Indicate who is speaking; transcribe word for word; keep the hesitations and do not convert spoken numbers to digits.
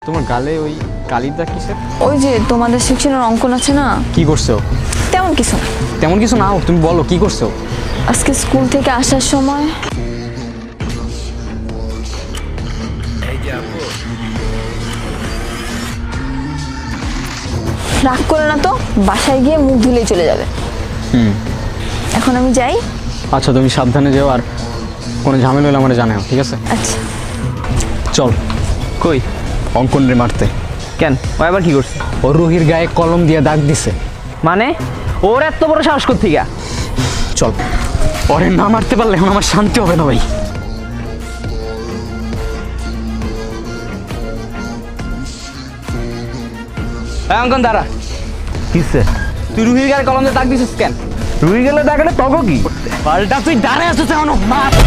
Speaker 1: তোমার গালে ওই কালির দাগ কিসের?
Speaker 2: ওই যে তোমাদের সেকশনের অঙ্কন আছে না,
Speaker 1: কি করছো?
Speaker 2: তেমন কিছু না।
Speaker 1: তেমন কিছু না হোক, তুমি বলো কি করছো?
Speaker 2: আজকে স্কুল থেকে আসার সময় রাগ করে না তো, বাসায় গিয়ে মুখ ধুলেই চলে যাবে।
Speaker 1: হুম
Speaker 2: এখন আমি যাই।
Speaker 1: আচ্ছা তুমি সাবধানে যেও, আর কোনো ঝামেলা হলে আমার জানাও, ঠিক আছে?
Speaker 2: আচ্ছা
Speaker 1: চল
Speaker 3: কই
Speaker 1: অঙ্কন রে মারতে।
Speaker 3: কেন ও আবার কি করছে?
Speaker 1: ও রুহির গায়ে কলম দিয়ে দাগ দিছে।
Speaker 3: মানে ওর এত বড় সাহস করতে গা?
Speaker 1: চল, ওরে না মারতে পারলে এখন আমার শান্তি হবে না ভাই।
Speaker 3: অঙ্কন দাঁড়া। কিসে তুই রুহির গায়ে কলম দিয়ে দাগ দিছিস কেন? রুহি গেলে দাগ এটা তগো কি?
Speaker 1: পাল্টা তুই দাঁড়ায় আছিস এখনো, মার।